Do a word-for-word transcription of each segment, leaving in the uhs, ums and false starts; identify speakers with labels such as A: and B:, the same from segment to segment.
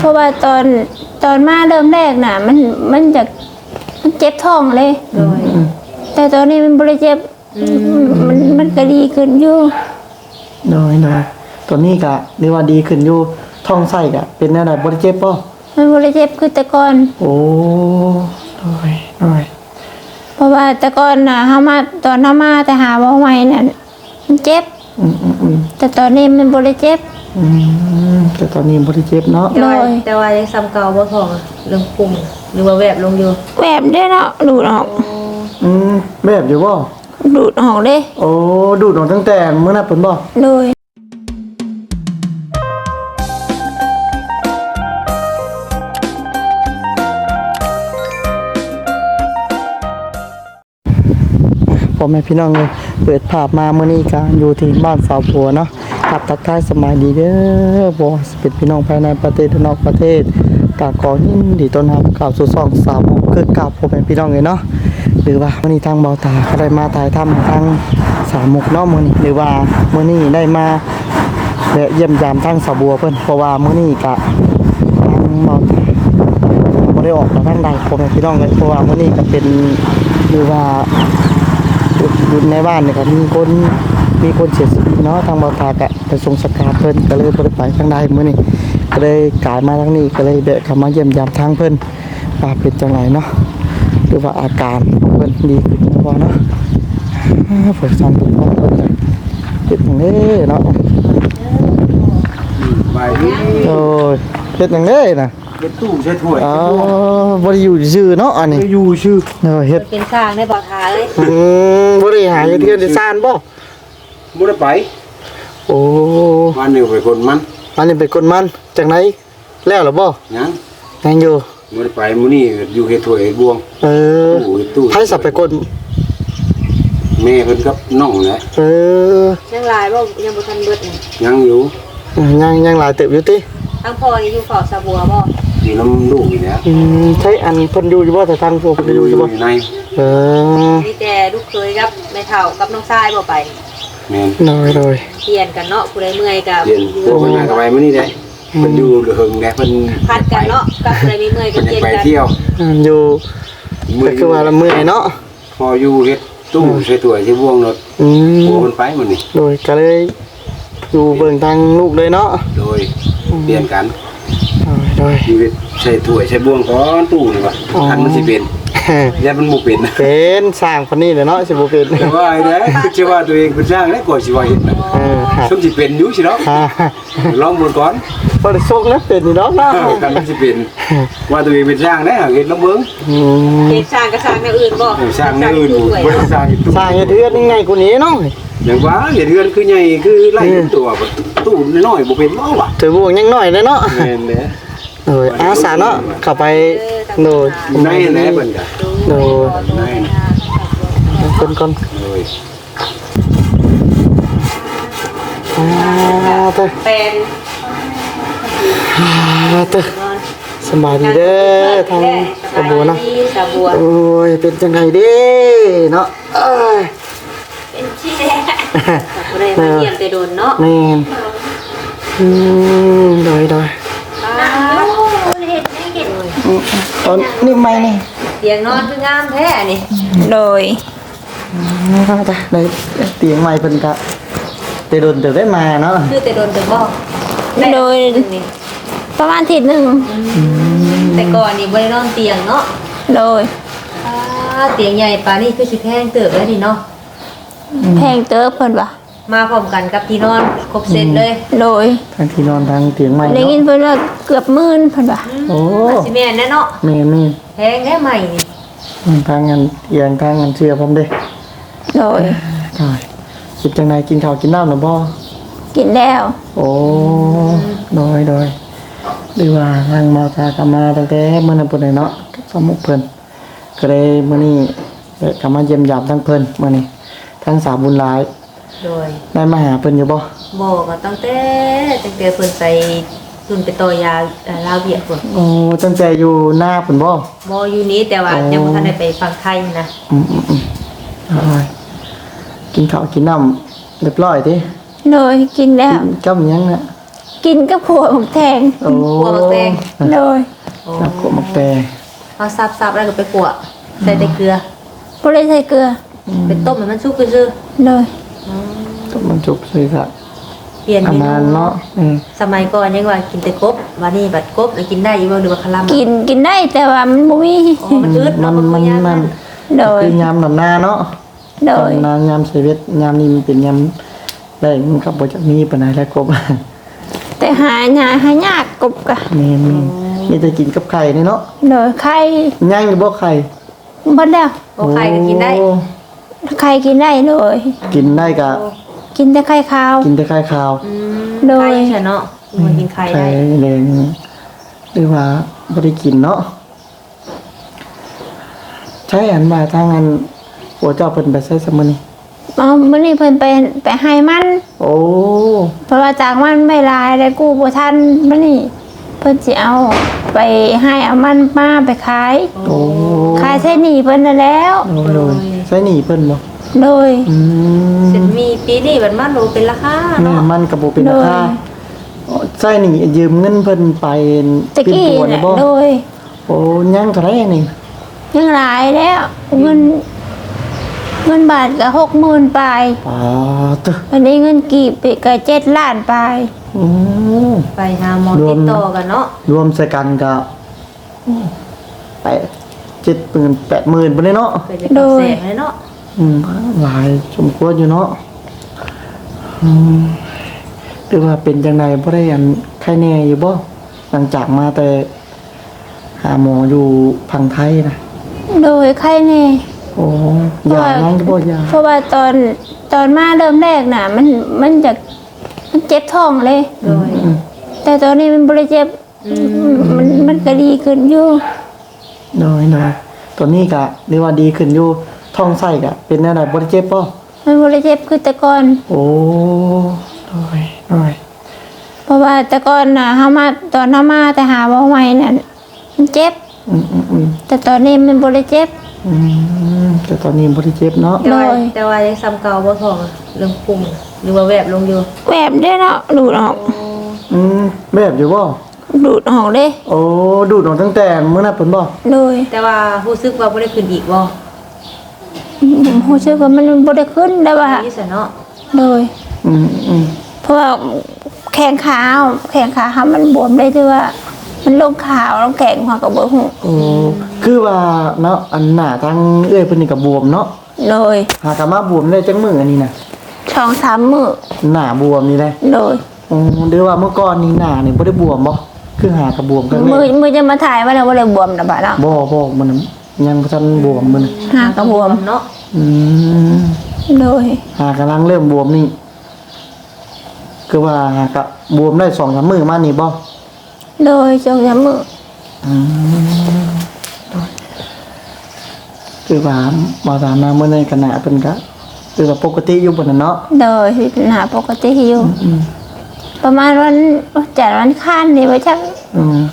A: เพราะว่าตอนตอนมาเริ่มแรกน่ะมันมันจะมันเจ็บท้องเลยโดยแต่ตอนนี้มันบริเจ็บมันมันก็ดีขึ้นอยู่
B: โดยโดยตัวนี้ก็เรียกว่าดีขึ้นอยู่ท้องไส้ก็เป็นอะไรบริเจ็บป่ะ
A: มันบริเจ็บคือแต่ก่อน
B: โอ้โดยโดย
A: เพราะว่าแต่ก่อนน่ะเฮามาตอนเฮามาแต่หาบ่ใหม่น่ะมันเจ็บ
B: อืมอืมอืม
A: แต่ตอนนี้มันบริเจ็บ
B: อืมแต่ตอนนี้บริเจ็บเนาะ
C: แต่ว่าแต่ว่ายังซ้ำเก่าบ่ทองเรื่องปุ่มหรือว่าแวบลงอยู่
A: แวบได้เนาะดูดออก
B: อืมแบบอยู่บ่
A: ดูดออกเด้
B: โอ้ดูดออกตั้งแต่เมื่อนั้นเพิ่นบ่
A: โดย
B: พ่อแม่พี่น้องเลยเปิดภาพมาเมื่อนี้กันอยู่ที่บ้านสาวผัวเนาะครับทักทายสบายดีเด้อบ่เป็นพี่น้องภายในประเทศและนอกประเทศกากอยินดีต้อนรับข่าวสู่ช่องสาวคือกับพ่อแม่พี่น้องเลยเนาะหรือว่ามื้อนี้ทางเบาตาก็ได้มาถ่ายทำทางสามมุกเนาะมื้อนี้หรือว่ามื้อนี้ได้มาแวะเยี่ยมยามทางสาวบัวเพิ่นเพราะว่ามื้อนี้ก็ทางเบาตาบ่ได้ออกทางใดพ่อแม่พี่น้องเลยเพราะว่ามื้อนี้ก็เป็นหรือว่าอยู่ในบ้านเนี่ยครับมีคนมีคนเสียชีวิตเนาะทางบตากะไปส่งสการเพิ่นก็เลยบ่ได้ไปทางใดมื้อนี้ก็เลยกลายมาทางนี้ก็เลยแวะเข้ามาเยี่ยมยามทางเพิ่นว่าเป็นจังไดเนาะหรือว่าอาการเพิ่นดีขึ้นบ่เนาะเพิ่นสั่นตัวเพิ่นเป็นจังได๋เนาะ
D: ไปดิ
B: โอ้ยเป็นจังได๋น่ะ
D: เฮ็ดตู้ใช้ถ้วย
B: อ๋อบ่ได้อยู่ซื่อเนาะอันนี้
D: อยู่ชื่อ
B: เออเฮ็ด
C: เป็นสร้างได้บ่ทาเอ้ย
B: อืมบ่ได้หาเฮ็ดเทือนได้ซ่านบ่
D: บ่ได้ไป
B: โอ้
D: วันนี้ไปคนมัน
B: อันนี้เป็นคนมันจากไหนแล้วหรือบ่
D: ยัง
B: ยังอยู่
D: บ่ได้ไปมื้อนี้อยู่เฮ็ดถ้วยเฮ็ดบวง
B: เออ
D: ตู้
B: ให้สับไปคน
D: แม่เพิ่นกับน้องแหละ
B: เออ
C: ยังหลายบ่ยังบ่ทันเบิดนี่
D: ยังอยู่
B: ยังยังหลายเติบอยู่ติ
C: ทั้งพ่อนี่อยู่เฝ้าสะบัวบ่
D: อยู่นำลูกนี่แหละ
B: อืมใช่อันเพิ่นอยู่อยู่บ่แต่ทางพวกเพิ่นอยู่อยู่บ่
D: ใน
B: เออ
C: มีแต่ลูกเคยกับแม่เฒ่ากับน้องชายบ่ไป
D: แม่น
B: น้อยเลย
C: เปลี่ยนกันเนาะผู้ใดเมื่อยก็
D: เปลี่ยนพวกเพิ่นมาก็ไปมื้อนี้ได้เพิ่นอยู่เฮิงแหละเพิ่น
C: พัดกันเนาะกับผู้ใดมีเมื่อยก็เปลี่ยน
D: กันไปเที่ยว
B: อยู่ก็คือว่าละเมื่อยเนาะ
D: พออยู่เฮ็ดตู้ใส่ถ้วยใส่บวงรถ
B: อืม
D: โอ้มันไปมื้อนี้
B: โดยก็เลยอยู่เบิ่งทางลูกเลยเนาะ
D: โดยเปลี่ยนกัน
B: โดย
D: ชีวิตใส่ถ้วยใส่บวงก่อนตู้นี่ว่ะคันมันสิเป็นอย่ามันบ่เป็น
B: เป็นสร้างคนนี้แหละเนาะสิบ่เป็น
D: แต่ว่าไอ้เด้คือสิว่าตัวเองเป็นสร้างแล้วก่อนสิว่าเฮ็ดน่ะเออสมสิเป็นอยู่สิเนาะลองเบิ่งก่อน
B: บ่ได้ส่งนะเป็นนี่เนาะเนาะ
D: คันมันสิเป็นว่าตัวเองเป็นสร้างแล้วเฮ็ดลองเบิ่ง
B: อืม
C: เฮ็ดสร้างก็สร้างแนวอื่นบ่
D: สร้างแนวอื่นบ่ได้สร้างตู้
B: สร้างเฮ็ดเฮือนง่ายกว่านี้เนาะ
D: อย่างว่าเฮ็ดเฮือนคือใหญ่คือไล่ตัวตู้น้อยๆบ่เป็นบ่ว่ะ
B: ถือว่ายังน้อยเลยเนาะ
D: แม่นเด้
B: เอออาสาเนาะเข้าไปโดย
D: ในแหละเพิ่นก็
B: โดย
D: ใน
B: คนคน
D: โดย
B: อ่าเต้
C: เป็น
B: อ่าเต้สบายดีเด้อทางสะบัวเนาะโอ้ยเป็นจังไงเด้เนาะเอ้ย
C: เป็นที่แรกบ่ได้มาเยี่ยมแต่โดนเนาะ
B: แม่นอืมโดยโดยตอนนี่ไม่นี่
C: เตียงนอนคืองามแท้นี่
A: โดย
B: จ้ะในเตียงใหม่เพิ่นก็แต่โดนเติบได้มาเนาะ
C: คือแต่โดนเติบบ่
A: โดยประมาณอาทิตย์นึง
C: แต่ก่อนนี่บ่ได้นอนเตียงเนาะ
A: โดย
C: อ่าเตียงใหญ่ปานนี้คือสิแพงเติบแล้วนี่เนาะ
A: แพงเติบเพิ่นว่า
C: มาพร้อมกันกับที่นอนครบเสร็จเลย
A: โดย
B: ทั้งที่นอนทั้งเตียงใหม่
A: ได้ยินเพิ่นว่าเกือบหมื่นเพิ่นว่า
B: โอ้
C: สิแม่นแน่เนาะ
B: แม่น
C: แพงแท้ใหม่นี่
B: ทางงานเอียงทางงานเชื่อพร้อมเด้
A: โดย
B: ใช่คิดจังไดกินข้าวกินน้ำน่ะบ่
A: กินแล้ว
B: โอ้โดยโดยหรือว่าทางมาจากกันมาตั้งแต่มื้อนั้นพุ่นน่ะเนาะสมุกเพิ่นก็เลยมื้อนี้ก็มาเยี่ยมยามทั้งเพิ่นมื้อนี้ทั้งสามบุญหลาย
C: โดย
B: ได้มาหาเพิ่นอยู่บ่
C: บ่ก็ตั้งแต่ตั้งแต่เพิ่นไปรุ่นไปต่อยาลาวเวียดพุ่น
B: โอ้ตั้งแต่อยู่หน้าเพิ่นบ่
C: บ่อยู่นี้แต่ว่ายังบ่ทันได้ไปฟังไทยนะ
B: อืมๆๆอ้ายกินข้าวกินน้ำเรียบร้อยติ
A: โดยกินแล้ว
B: กับหยังน่ะ
A: กินกับขวดหมกแทง
B: โอ้
C: ขัวหมักแตง
A: โดย
B: นักขวดหมักแตง
C: เอาซับๆแล้วก็ไปขัวใส่แต่เกลือ
A: บ่ได้ใส่เกลือ
C: ไปต้มให้มันสุกซื่อ
A: โดย
B: ต้มมันจุบเลยค่ะ
C: ๆเปลี่ยน
B: อา
C: เม
B: นาน
C: นู
B: เนาะเออ
C: สมัยก่อนยังว่ากินแต่กบวันนี้บัดกบแล้วกินได้อีบ่หรือว่าคลำ
A: กินกินได้แต่ว่ามันบ่มี
C: อ๋อมันอึด
B: มั
C: เนาะ
B: นมัน
C: ยาก
B: มัน
A: โดย
B: คือยามดำนาเนาะ
A: โดย
B: ดำนายามชีวิตยามนี้มันเป็นยามแรกมันก็บ่จะมีปานใดแล้วกบ
A: แต่หาหาหายากกบกะ
B: แม่นๆมีแต่กินกับไข่นี่เนาะ
A: โดยไข่
B: ย่างอยู่บ่ไข่
A: บ่ได้
C: โอ้ใครก็กินได้
B: โอ้
A: ไข่กินได้เลย
B: กินได้ก็
A: กินแต่ไข่ขาว
B: กินแต่ไข่ขาว
C: อืม
A: โดย
C: ไข่เฉยเนาะมันกินไข่
B: ไข่
C: ได้
B: แดงหรือว่าบ่ได้กินเนาะใช่อันมาทางอันโอ้เจ้าเพิ่นไปใช้สมื้อนี้
A: เอามื้อนี้เพิ่นไปไปให้มัน
B: โอ้
A: เพราะว่าจากมันไม่หลายได้กู้บ่ทันมื้อนี้เพิ่นสิเอาไปให้เอามันมาไปขาย
B: โอ้
A: ขายใช้หนี้เพิ่นนั่นแล้ว
B: โอ้เลยใช้หนีเพิ่นบ่
A: โดย
B: อืม
C: เสร็จมีปีนี้บัดมันโลเป็นราคา
B: แม่
C: เนาะ
B: มันก็บ่เป็นราคาใช้หนียืมเงินเพิ่นไป
A: ตะกี้
B: ตัวนี่
A: น่ะ
B: บ่
A: โดย
B: โอ้ยังเท่าไหร่นี่
A: ยังหลายแล้วเงินเงินบาทก็หกหมื่นปลาย
B: อ๋อตึ
A: อันนี้เงินกีบก็เจ็ดล้านปลาย
B: อืม
C: ไปหาหมอ
B: รว
C: ติ
B: ม
C: ดต่อกันเนาะ
B: รวมใส่กันก็แปดเจ็ดหมื่นแปดหมื่นบ่ได้เนาะ
C: เกิดจากกับแสงเลยเนาะ
B: อืมหลายสมควรอยู่เนาะอืมหรือว่าเป็นจังไดบ่ได้อันไข้แน่อยู่บ่หลังจากมาแต่หาหมออยู่พังไทยนะ
A: โดยใครแน่
B: โอ้ยายังก็บ่ยา
A: เพราะว่าตอนตอนมาเริ่มแรกน่ะ มันมันจะมันเจ็บท้องเลย
C: โดย
B: อืม
A: แต่ตอนนี้มันบริเจ็บมันมันก็ดีขึ้นอยู่
B: น้อยน้อยตัวนี้ก็เรียกว่าดีขึ้นอยู่ท้องไส้ก็เป็นแนวใดบ่ได้เจ็บป่ะ
A: มันบริเจ็บคือแต่ก่อน
B: โอ้น้อยน้อย
A: เพราะว่าแต่ก่อนน่ะเฮามาตอนเฮามาแต่หาบ่ใหม่น่ะมันเจ็บ
B: อืมอืมอืม
A: แต่ตอนนี้มันบริเจ็บ
B: อืมแต่ตอนนี้บ่ได้เจ็บเนาะ
C: แต่ว่า
A: โดย
C: แต่ว่ายังซ้ำเก่าบ่ทองเรื่องปรุงหรือว่าแวบลงอยู่
A: แวบได้เนาะดูดออก
B: อืมแบบอยู่บ่
A: ดูดออกเด้
B: โอ้ดูดออกตั้งแต่มื้อนั้นเพิ่นบ่
A: โดย
C: แต่ว่ารู้สึกว่าบ่ได้ขึ้นอีกบ่
A: ผมรู้สึกว่ามันบ่ได้ขึ้นได้ว่า
C: นี่ซะเนาะ
A: โดย
B: อืมอืม
A: เพราะว่าแข้งขาแข้งขาเขามันบวมได้ด้วยว่า มันลงขาวลงแข็งหัวกับเบอร์หู
B: โอ้คือว่าเนาะอันหน้าทางเอื้อยเพิ่นนี่ก็บวมเนาะ
A: โดย
B: หากะมาบวมได้จังมื้ออันนี้น่ะ
A: ช่องสามมือ
B: หน้าบวมนี่แหละ
A: โดย
B: อ๋อหรือว่าเมื่อก่อนนี่หน้านี่บ่ได้บวมบ่คือหากระบวมกัน
A: มือ
B: แม่
A: มือจะมาถ่ายว่าเราว่าเราบวมนะบ้าเนาะ
B: บ่บ่มันยังบ่ทันบวมมัน
A: หากระบวม
C: เนาะ
B: อืม
A: โดย
B: หากำลังเริ่มบวมนี่คือว่าหากะบวมได้สองสามมื้อมานี่บ่
A: โดยช่องสามมือ
B: อืมคือว่าบ่ตามมาเมื่อในขณะเพิ่นก็คือว่าปกติอยู่บนนั้นเนาะ
A: โดยพิจารณาปกติอยู่
B: อืม
A: ประมาณวันจัดวันข้านนี่ว่าชัก
B: อืม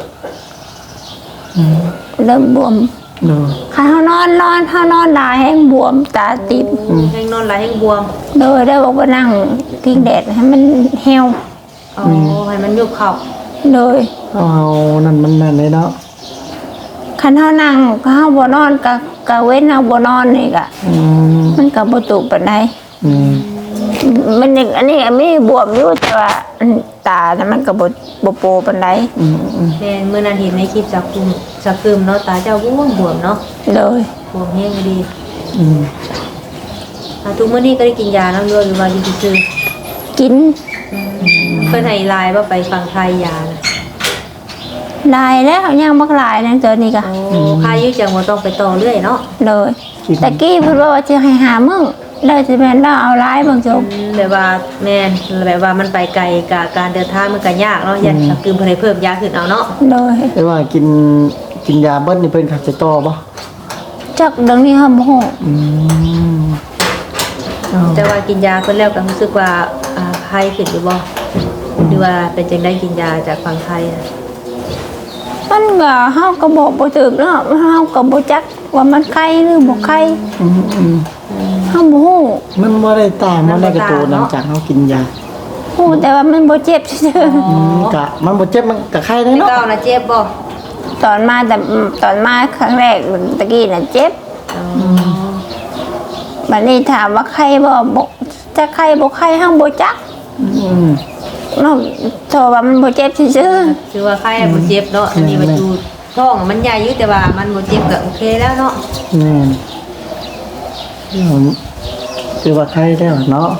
A: เริ่มบวม
B: เนาะ
A: ขาเขานอนนอนเขานอนหลายแห้งบวมตาติด
C: แห้งนอนหลายแห้งบวม
A: โดยได้บอกว่านั่งพิงแดดให้มันเหี่ยว
C: อ๋อให้มันยุบเข่า
A: โดย
B: เอาเอานั่นมันแม่นเลยเนาะ
A: คันเฮานั่งก็เฮาบ่นอนก็ก็เว้นเฮาบ่นอนนี่ก็
B: อืม
A: มันก็บ่ตุปานใด
B: อืม
A: มันยังอันนี้มีบวมอยู่แต่ว่าอันตาน่ะมันก็บ่บ่โปปานใด
B: อืมอืม
C: แม่เมื่อนั้นเห็นในคลิปจากคุมจากคืมเนาะตาเจ้าบวมบวมเนาะ
A: เลย
C: บวมแห้งก็ดี
B: อืม
C: อ่าทุกมื้อนี้ก็ได้กินยาน้ำด้วยหรือว่าอยู่ซื่อ
A: กิน
C: ๆเพิ่นให้ไลน์ว่าไปฟังไทยยานะ
A: ลายแล้วยังบักหลายนั่นตัวนี้ก็
C: โอ้ค่ายืดจังบ่ต้องไปต่อเรื่อยเนาะ
A: เลยตะกี้เพิ่นว่าจะให้หามึงได้สิแม่นเราเอาหลายบางจบ
C: อืมแบบว่าแม่นแบบว่ามันไปไกลกับการเดินทางมันก็ยากเนาะยันจากคืมเพิ่นให้เพิ่มยาขึ้นเอาเนาะ
A: เลย
B: แต่ว่ากินกินยาเบิดนี่เพิ่นขับจะต่อบ่
A: จักเดังนี้เฮาบ่ฮู้
B: อืม
C: แต่ว่ากินยาเพิ่นแล้วก็รู้สึกว่าอ่าไข้ขึ้นอยู่บ่หรือว่าเป็นจังได้กินยาจากฝั่งไทยนะ
A: มันก็เฮาก็บอกบ่ถูกเนาะเฮาก็บ่จักว่ามันไข้หรือบ่ไข้
B: อืมอืม
A: เฮาบ่ฮู้
B: มันบ่ได้ตามมันได้กระตูหลังจากเฮากินยา
A: ฮู้แต่ว่ามันบ่เจ็บซื่อ
B: อืมกะมันบ่เจ็บมันกะไข้ได้
C: แต่
B: เนาะ
C: เก่าน่ะเจ็บบ่
A: ๆตอนมาแต่ตอนมาครั้งแรกตะกี้น่ะเจ็บ
C: อ๋อ
A: บัดนี้ถามว่าใครบ่บ่จะใครบ่ใครห้างบ่จัก
B: อืม
A: นอกโทรว่ามันบ่เจ็บซื่อ
C: คือว่าไข้บ่เจ็บเนาะอันนี้มันอยู่ท้องมันใหญ่อยู่แต่ว่ามันบ่เจ็บก็โอเคแล้วเนาะ
B: แม่นเดี๋ยวคือว่าไข้ได้เนาะ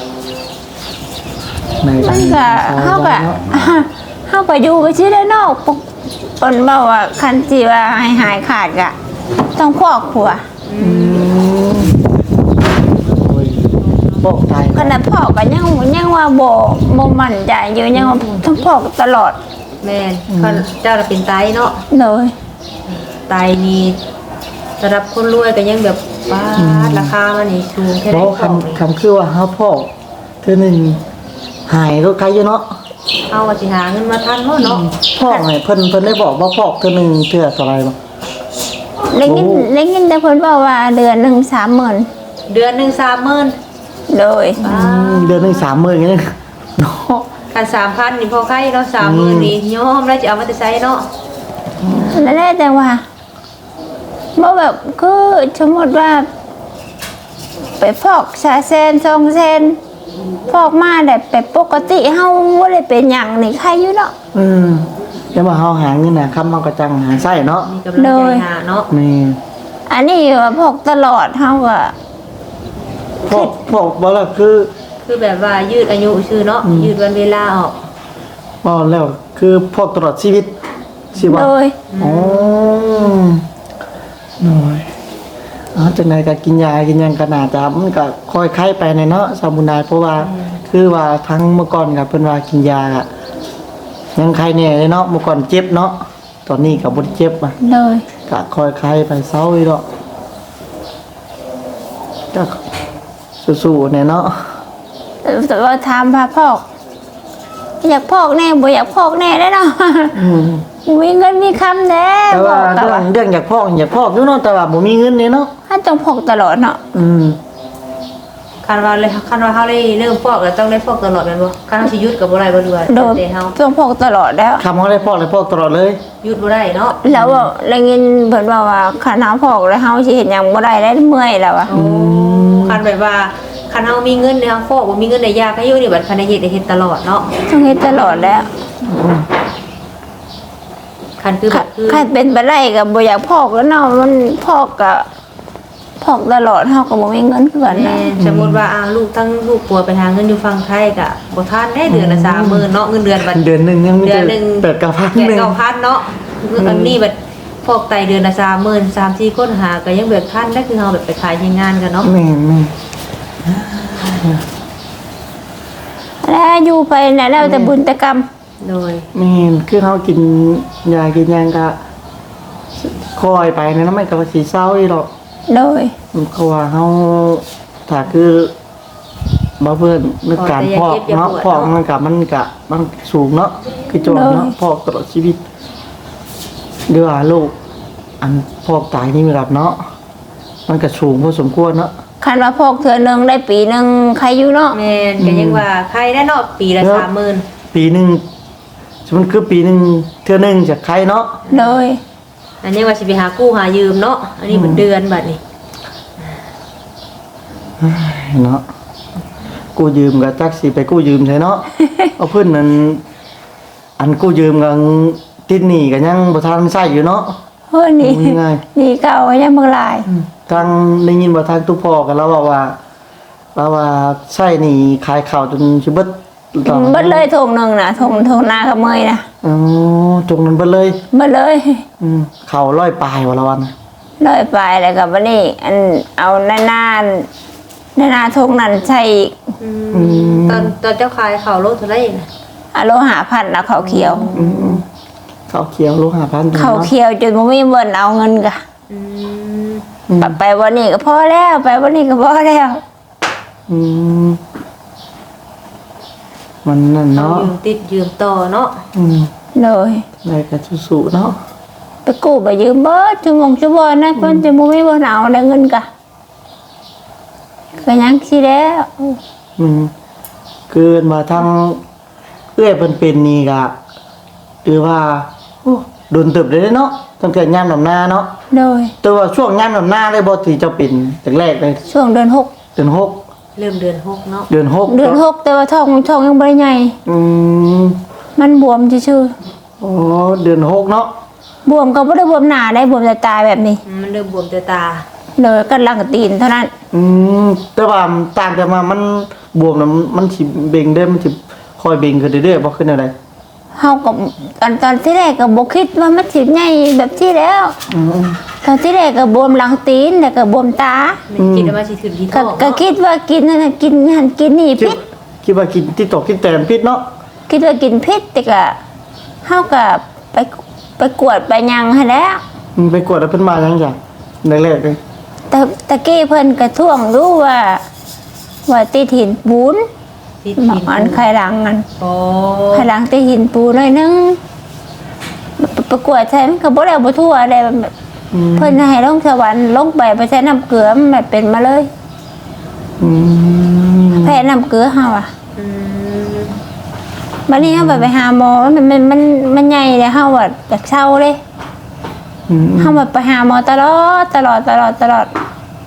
B: ใน
A: ๆมันก็เฮาก็เฮาก็อยู่ไปซื่อได้เนาะปกเพิ่นเว้าว่าคันสิว่าให้หายขาดก็ต้องพอกผัว
B: อืมโอ้ยบอกตาย
A: ขนาดพอกก็ยังยังว่าบ่บ่มั่นใจอยู่ยังว่าต้องพอกตลอด
C: แม่นเขาเจ้าน่ะเป็นไตเนาะ
A: เลย
C: ไตนี่สำหรับคนรวยก็ยังแบบว้าดราคามันนี่สูงแค่
B: เพ
C: ไหน
B: ราะ
C: ของนี่
B: คำคำคือว่าเฮาพอกเทื่อหนึงหายก็ไกลอยู่เนาะ
C: เอาว่าสิหาเงินมาทันบ่เนาะ
B: พอกให้เพิ่นเพิ่นได้บอกว่าพอกเทื่อหนึงเทื่อเท่าไหร่บ่
A: ได้ยิน
B: โอ้
A: ได้ยินแต่เพิ่นบอกว่าเดือนหนึงสามหมื่น
C: เดือนหนึงสามหมื่น
A: เลย
B: อืมเดือนหนึงสามหมื่นอย่างนี้เนาะ
C: คันสามพันนี่พอใครเนาะสามหมื่นนี่ยอมแล้วจะเอามาแต่ใช้เนาะ
A: แล้วได้แต่ว่าบ่แบบคือสมมติว่า ไปฟอกชาเซนซองเซนฟอกมาแต่ไปปกติเฮาบ่ได้เป็นหยังนี่ใครอยู่เนาะ
B: อืมแต่ว่าเฮาหาเงินน่ะคำเฮาก็จังหาไส้เนาะ
C: มีกำลังใจหาเนาะ
B: แม่
A: อันนี้ว่าพอกตลอดเฮาก็
B: พอกพอกบ่ล่ะคือ
C: คือแบบว่ายืดอายุชื่อเนาะยืดวันเวลาออก
B: บ่แล้วคือพอกตลอดชีวิตสิว่า
A: เลย
B: อ๋อหน่อยอ๋อจังไดก็กินยากินหยังก็น่าจะมันก็ค่อยไข้ไปในเนาะสามุนายเพราะว่าคือว่าทั้งเมื่อก่อนก็เพิ่นว่ากินยาอะยังไข้แน่เลยเนาะเมื่อก่อนเจ็บเนาะตอนนี้ก็บ่ได้เจ็บอ่ะ
A: เลย
B: ก็ค่อยไข้ไปเซาอีดอกก็สู้ๆแน่เนาะ
A: แต่ว่าถามพาพอก อยากพอกแน่บ่อยากพอกแน่ได้เนาะ
B: อืม
A: มีเงินมีคำแน่
B: แต่
A: บ
B: ว่า
A: อกแต่
B: เรื่อ
A: ว่าง
B: เรื่องอยากพอกอยากพอกอยู่เนาะแต่ว่าบ่มีเงินนี่เนาะ
A: ถ้าต้องพอกตลอดเนาะ
B: อืม
C: คันว่าเลยคันว่าเฮาได้เริ่มฟอกแล้วต้องได้ฟอกตลอดแม่นบ่คันเฮาสิหยุดก็บ่ได้บ่ด้วย
A: โดย
C: แต่เฮา
A: ต้องพอกตลอดแล้ว
B: คำเขาได้พอกเลยพอกตลอดเลย
C: หยุดบ่ได้เนาะ
A: แล้วว่าได้ยินเพิ่นว่าว่าคันเฮาพอกแล้วเฮาสิเฮ็ดหยังบ่ได้แล้วเมื่อยแล้วอะ
C: โอ้คันแบบว่าคันเฮามีเงินเนี่ยเฮาฟอกบ่มีเงินได้ยากให้อยู่นี่บัดคันได้เฮ็ดได้เฮ็ดตลอดเนาะ
A: ต้องเฮ็ดตลอดแล้ว
C: คันคือแบบคือ
A: คันเป็นไปได้ก็บ่อยากพอกแล้วเนาะมันพอกก็พอกตลอดเฮาก็บ่มีเงินคือกัน
C: แม่
A: นะ
C: สมมุติว่าอ้าวลูกทั้งลูกปัวไปหาเงินอยู่ฝั่งไทยก็บ่ทันได้เดือนละสามหมื่นเนาะเงินเดือนบัด
B: เดือนหนึ่งยังไม่
C: เดื
B: เจ
C: อน
B: อ
C: หนึ่ง
B: แปดเก้าพัน
C: แปด
B: หนึ่ง
C: เก้าพันเนาะคืออันนี้แบบฟอกไตเดือนละสามหมื่นสามสี่คนหาก็ยังแบบท่านได้คือเราแบบไปขายที่งานกันเนาะ
B: แม่แม่
A: แล้วอยู่ไปน่ะแล้วแต่บุญแต่กรรม
C: โดย
B: แม่คือเขากินยากินยางก็คอยไปนะไม่กับสีเศร้าอีหรอก
A: โดย
B: เขาว่าเขาถ้าคือบ่เพิ่นนึกการพอกเนาะพอกมันกับมันกะมันสูงเนาะคือจอเนาะพอกตลอดชีวิตเดือลูกอันพอกตายนี่มีรับเนาะมันก็สูงพอสมควรเนาะ
A: คันว่าพอกเทื่อหนึงได้ปีหนึงใครอยู่เนาะ
C: แม่นก็ยังว่าใครได้เนาะปีละสามหมื่น
B: ปีหนึ่งสมมติคือปีหนึ่งเทื่อหนึ่งจากใครเนาะ
A: โดย
C: อันนี้ว่าสิไปหากู้หายืมเนาะอันนี้เป็นเดือนบัดนี้
B: เนาะกู้ยืมกับจักสิไปกู้ยืมใช่เนาะ เอาเพื่อนนั้นอันกู้ยืมกันติดหนี้กันยังบ่ทันใช้อยู่เนาะ
A: เฮ้ยนี่
B: โอ้ยง่าย
A: นี่เก่ายังบ่หลาย
B: ทางได้ยินบ่ทางตุพ่อกันแล้วว่าว่าว่าว่าใช้หนี้ขายข้าวจนสิเบิดต่อ
A: เบิดเลยทงหนึงน่ะทงทงนากับเมยน่ะ
B: อ๋อตรงนั้นเบิดเลย
A: เบิดเลย
B: อืมข้าวร้อยปลายว่าละวันน่ะ
A: เลยไปแล้วก็บัดนี้ อันเอาหน้าหน้าหน้าหน้าทงนั้นใส่อีก
C: อืมตอนตอนเจ้าขายข้าวโลเท่าไหร่น่ะ
A: อะโลหาพันแล้วเขาวเขียว
B: อืมข้าวเขียวโลห้าพัน
A: เขาวเขียวจนบ่มีเบิ่นเอาเงินกะ
C: อืม
A: ไปไปวันนี้ก็พอแล้วไปวันนี้ก็พอแล้ว
B: อืมมันนั่น
C: เอา
B: เนาะ
C: ยืมติดยืมต่อเนาะ
B: อืม
A: เลย
B: ได้กับสุๆเนาะ
A: ไปกู้ไปยืมเบิดชั่วโมงชั่วโมงนะเพิ่นจะบ่มีเบิ่นเอาได้เงินกะก็ยังสิแล้ว
B: อืมเกินมาทั้งเอื้อยเพิ่นเป็นนี่ก็ถือว่าโอ้โดนตึบเลยเนาะตั้งแต่ยามดำนาเนาะ
A: โดย
B: แต่ว่าช่วงยามดำนาเลยบ่ที่เจ้าเป็นแต่แรกเลย
A: ช่วงเดือนหก
B: เดือนหก
C: เริ่มเดือนหกเนาะ
B: เดือนหก
A: เดือนหกแต่ว่าท้องท้องยังบ่ได้ใหญ่
B: อืม
A: มันบวมชื่อ
B: โอ้เดือนหกเนาะ
A: ๆบวมก็บ่ได้บวมหนาได้บวมแต่ตายแบบนี้
C: อืมมันเริ่มบวมแต่ตา
A: เลยกันหลังตีนเท่านั้น
B: อืมแต่ว่าต่างแต่มามันบวมแล้วมันสิเบ่งได้มันสิคอยเบ่งขึ้นเรื่อยๆบ่ขึ้นอะไร
A: เฮาก็ตอนตอนที่แรกก็บ่คิดว่ามันสิใหญ่แบบที่แล้ว
B: อืม
A: ตอนที่แรกก็บวมหลังตีนแล้วก็บวมตา
C: ไม่คิดว่าสิขึ้นที่ท้
A: ก็
C: อง
A: ก็
C: เนาะ
A: คิดว่ากินนั่นน่ะกินหันกินนี่
B: คิด
A: พิษ
B: คิดว่ากินที่ตกที่แตนพิษเนาะ
A: คิดว่ากินพิษแต่ก็เฮาก็ไปไปกวดไปหยังให้แล้ว
B: อืมไปกวดแล้วเพิ่นมาจังจังแรกๆเลย
A: แต่ตะกี้เพิ่นกระท่วงรู้ว่า ว่าติดหินปูน
C: ที่
A: หมั
C: กิ
A: ก
C: น
A: อันไขหลังอัน
C: โอ้
A: ไขหลังติดหินปูนหน่อยนึงประกวดใช่มันก็บ่ได้บ่ทั่วอะไรแบบ
B: อืม
A: เพิ่นให้ลงสวรรค์ลงไปไปใช้น้ำเกลือมันแบบเป็นมาเลย
B: อืม
A: แพ้น้ำเกลือเฮาอ่ะ
C: อืม
A: บัดนี้เฮาไปไปหาหมอมันมันมันมันใหญ่เลยเฮาอ่ะอยากเศร้าเลย
B: อืม
A: เฮาแบบไปหาหมอตลอดตลอดตลอดตลอด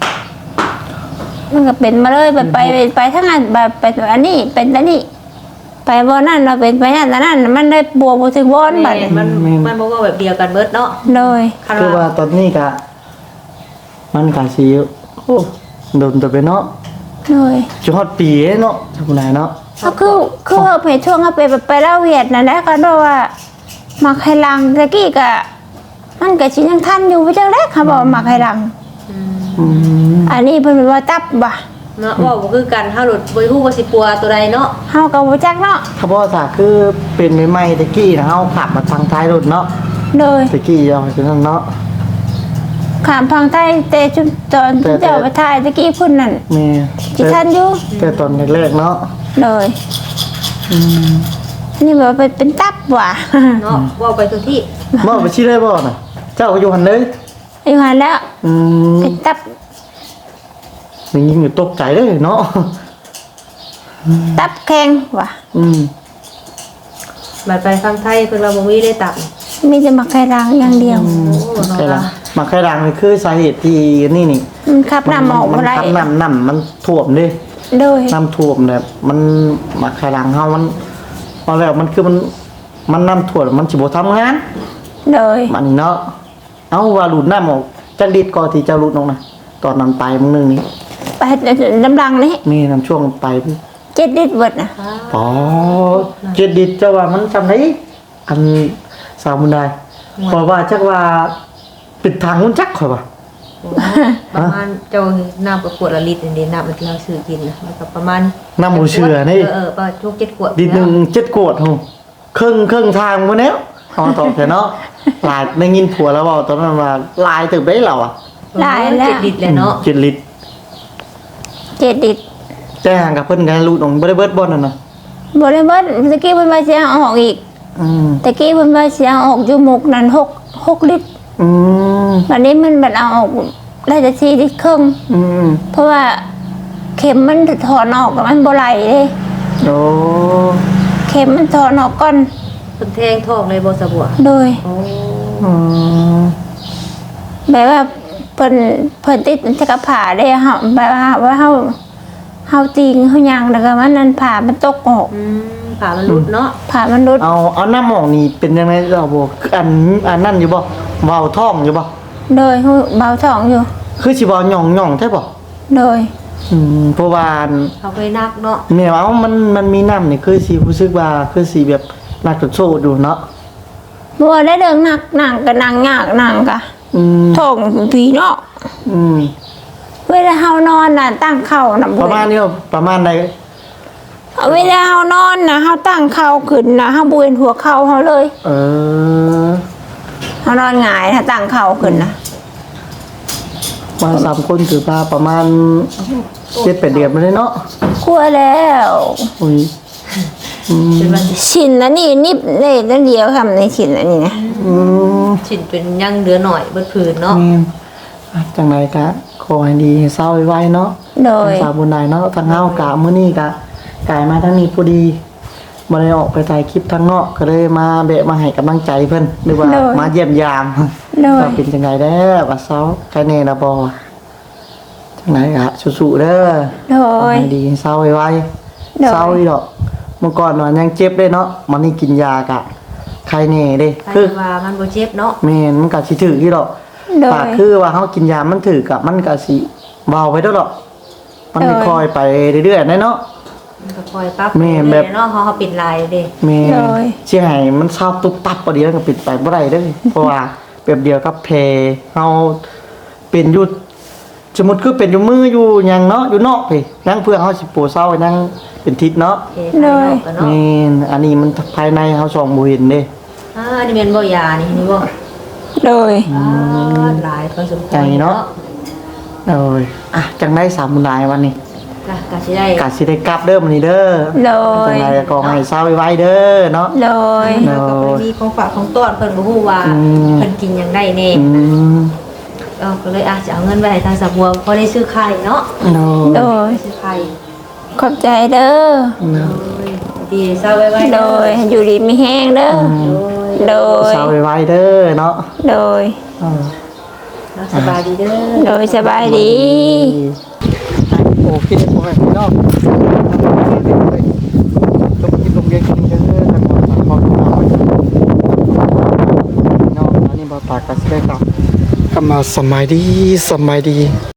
A: มันก็เป็นมาเลยแบบไปไปไปทั้งนั้นแบบไปอันนี้เป็นอันนี้ ไปบ่นั่นเราเป็นไปนั่นแต่นั่นมันได้บวมบ่ถึงวอนบัด
C: แม่
A: นี้
C: มันมันบ่ว่าแบบเดียวกันเบิดเนาะ
A: เลย
C: คัน
B: คือว่า
C: ว่า
B: ตอนนี้ก็มันก็สิโอ้โดนตัวไปเนาะ
A: เลย
B: จะฮอดปีเนาะจังไดเนาะ
A: ก็คือคือเฮาไปช่วงเฮาไปไปเล่าเวียดนั่นแหละก็โดว่ามักให้ลังตะกี้ก็มันก็สิยังทันอยู่ไปจังได๋เขาบอกว่ามักให้ลัง
C: อืม
B: อืม
A: อันนี้เพิ่นว่าตับบ่
C: เนาะว่าบ่คือกันเฮาหลุดบ่ฮู้ว่าสิปัวตัวใดเนาะ
A: เฮาก็บ่จักเนาะ
B: ถ้าบ่ถ้าคือเป็นใหม่ๆตะกี้นะเฮาขับมาทางท้ายรถเนาะ
A: เลย
B: ตะกี้เอาจังนั้นเนาะ
A: ขามพังไทยแต่จุดตอน
B: แต่แต่
A: เจ้าไปถ่ายตะกี้พุ่นนั่น
B: แม่
A: สิทันอยู่
B: แต่ตอนแรกๆเนาะ
A: เลย
B: อืม
A: นี่แบบเป็นเป็นตับว่ะ
C: เนาะว่าไปตัวที่
B: บ่ไปชี้ได้บ่น่ะเจ้าก็อยู่หั่นเลย
A: อยู่หันแล้ว
B: อืม
A: เป็นตับ
B: นี่ยิงอยู่ตกใจเลยเนาะ
A: ตับแข็งว่ะ
B: อืม
C: บัดไปฟังไทยเพิ่นว่าบ่มีได้ตับ
A: มีแต่มักไข่รังอย่างเดียว
C: โอ้
B: ใคร
C: เนาะ
B: ล่ะมาใครดังนี่คือสาเหตุที่นี่นี่
A: มันขับน้ำออก
B: มั
A: บ่ได้
B: ทำน้ำน้ำมันท่วมเด้
A: โดย
B: น้ำท่วมแบบมันมาใครดังเฮามันพอแล้วมันคือมันมันน้ำท่วมมันสิบ่ทำงาน
A: โดย
B: มันเนาะเอาว่าหลุดน้ำออกจักดิดก่อนที่จะหลุดออกนะตอนนั้นไปมึงนึงนี่
A: ไปน้ำรังนี่
B: นี่น้ำช่วงไปพี่
A: เจ็ดลิตรเบิดนะ
B: อ๋อเจ็ดดิดจะว่ามันจำได้อันสาวมุนได้เพราะว่าจักว่าปิดทางมุนจักข่อยว่า
C: ประมาณเจ้าน้ำกับขวดละลิตรนี่น้ำมันที่เราซื้อกินนะมันก็ประมาณ
B: น้ำหมูเชื่อนี่
C: เออเออประมาณทุกเจ็ดขวด
B: ดิดหนึ่งเจ็ดโกดโหครึ่งครึ่งทางมาแล้วเอาตอบแต่เนาะหลายได้ยินผัวแล้วบอกตอนนั้นว่าลายตึกได้เหรออ่ะ
A: หลายแล้ว
C: เจ็ดลิตรเลยเนาะ
B: เจ็ดลิตร
A: เจ็ดลิตร
B: แต่ห่างกับเพิ่นกันรูดออกบ่ได้เบิดบ่นั่นน่ะ
A: บ่ได้เบิดตะกี้เพิ่นว่าสิเอาออกอีก
B: อืม
A: ตะกี้เพิ่นว่าสิเอาออกอยู่หมกนั้นหกหกลิตร
B: อืม
A: วันนี้มันมันเอาออกได้แต่สี่ลิตรครึ่ง
B: อืม
A: เพราะว่าเข็มมันถอนออกแล้วมันบ่ไหลเลย
B: โอ้
A: เข็มมันถอนออกก่อน
C: เพิ่นแทงท้องเลยบ่สะบัว
A: โดย
C: โอ้
B: อืม
A: แบบว่าเพิ่นเพิ่นติดจักรผ่าได้เฮาแบบว่าว่าเฮาเฮาจริงเฮายังแล้วก็มันนั่นผ่ามันตกออก
C: อืมผ่ามันหลุดเนาะ
A: ผ่ามันรุด
B: เอาเอาน้ำหมองนี่เป็นยังไงเราบ่คืออันอันนั่นอยู่บ่เว้าท้องอยู่บ่
A: โดยเบาท้องอยู่
B: คือสิบ่หย่องๆแท้บ่
A: โดย
B: อืมเพราะว่าอัน
C: เขาเคยนักเนาะ
B: แม่ว่ามันมันมีน้ำนี่คือสิรู้สึกว่าคือสิแบบนักโชดอยู่เนาะ
A: บ่ได้เรื่องหนักหนังก็หนังยากหนังกะ
B: อืม
A: ท้องผีเนาะ
B: อืม
A: เวลาเฮานอนน่ะตั้งเข่าน่ะ
B: ประมาณนี้บ่ประมาณใด
A: เวลาเฮานอนน่ะเฮาตั้งเข่าขึ้นน่ะเฮาบ่เห็นหัวเข่าเฮาเลย
B: เออ
A: เฮานอนหงายถ้าตั้งเข่าขึ้นน่ะ
B: มาสามคนถือว่าประมาณเจ็ดแปดเดือนมาเลยเนาะ
A: กลัวแล้ว
B: อุ้ยอืม
C: เป็นวัน
A: ชินแล้วนี่นิบได้นั่นเดียวค่ะในชินอันนี้นะ
B: อืม
C: ชิ้นเป็นยังเหลือหน่อยเบิดผืนเนาะ
B: นี่อ่ะจังไรกะขอให้ดีให้เศร้าไว้เนาะ
A: โดย
B: ทางสาวบุญนายเนาะทางเฮากะมื้อนี้กะกายมาทั้งนี้พอดีมาเลยออกไปถ่ายคลิปทางนอกก็เลยมาแบะมาให้กำลังใจเพิ่นหรือว่ามาเยี่ยมยาม
A: โดย
B: ว่าเป็นจังไงเด้อว่าเซาใครแน่ละบ่จังไดอะสู้ๆเด้อ
A: โดย
B: ให้ดีเศร้าไว้
A: โดย
B: เศร้าอีดอกเมื่อก่อนมันยังเจ็บเลยเนาะมันนี่กินยากะใครแน่เด้
C: ใคร
B: คือ
C: ว่ามันบ่เจ็บเนาะ
B: แม่นมันก็สิถือที่ดอก
A: โด
B: ปาย กคือว่าเฮากินยามันถือกะมันก็สิเบาไปเด้อดอกมัน
A: โดย
B: ค่อยๆไปเรื่อยๆได้เนาะ
C: มันก็คอยปรับ
B: แม่แบบ
C: เนาะเฮาเฮาปิดลายเด้
B: แม่
A: โดย
B: สิให้มันเศร้าตุ๊บตับบ่เดียวก็ปิดไปบ่ได้เด้อเพราะว่าแบบเดียวกับแผลเฮาเป็นอยู่สมมุติคือเป็นอยู่มืออยู่หยังเนาะอยู่นอกพี่ยังเพื่อเฮาสิปวดเศร้ายังเป็นทิศเนาะ
C: โอเคภายนอกกันเนาะ
B: แม่นอันนี้มันภายในเฮาส่องบ่เห็นเด้
C: อ่านี่แม่นบ่ยานี่นี่บ่
A: โดย
C: อ่าหลายพอสมควร
B: ใจเนาะ เอ้ยอ่ะจังได้สามบุญหลายวันนี้
C: ก็ก็สิได้
B: กะสิได้กลับเด้อมื้อนี้เด้อ
A: โดย
B: จังไดก็ขอให้เศร้าไว้เด้อเนาะ
A: โดย
C: แล้วก็เพิ่นมีของฝากของต้อนเพิ่นบ่ฮู้ว่า
B: อืม
C: เพิ่นกินหยังได้แน่
B: อืม
C: เออก็เลยอาจจะเอาเงินไปให้ทางสะบัวพอได้ซื้อไข่เนาะ
B: โด
A: โด
B: ย
A: ย
C: ซื้อไข่
A: ขอบใจเด้อ
C: ดีเศร้าไว้ไว้
A: โดย อยู่ดีมีแห้งเด้อ โดย
B: เศร้าไว้เด้อเนาะ
A: โดย
B: เออ
C: แล้วสบายดีเด้อ
A: โดยสบายดี
B: โอ้คิดบ่ให้พี่น้องจบกินลงเรียนกินเด้อทางบ่ตากขอพี่น้องเนาะอันนี้บ่ตากก็สิได้กลับกลับมาสมัยดีสมัยดี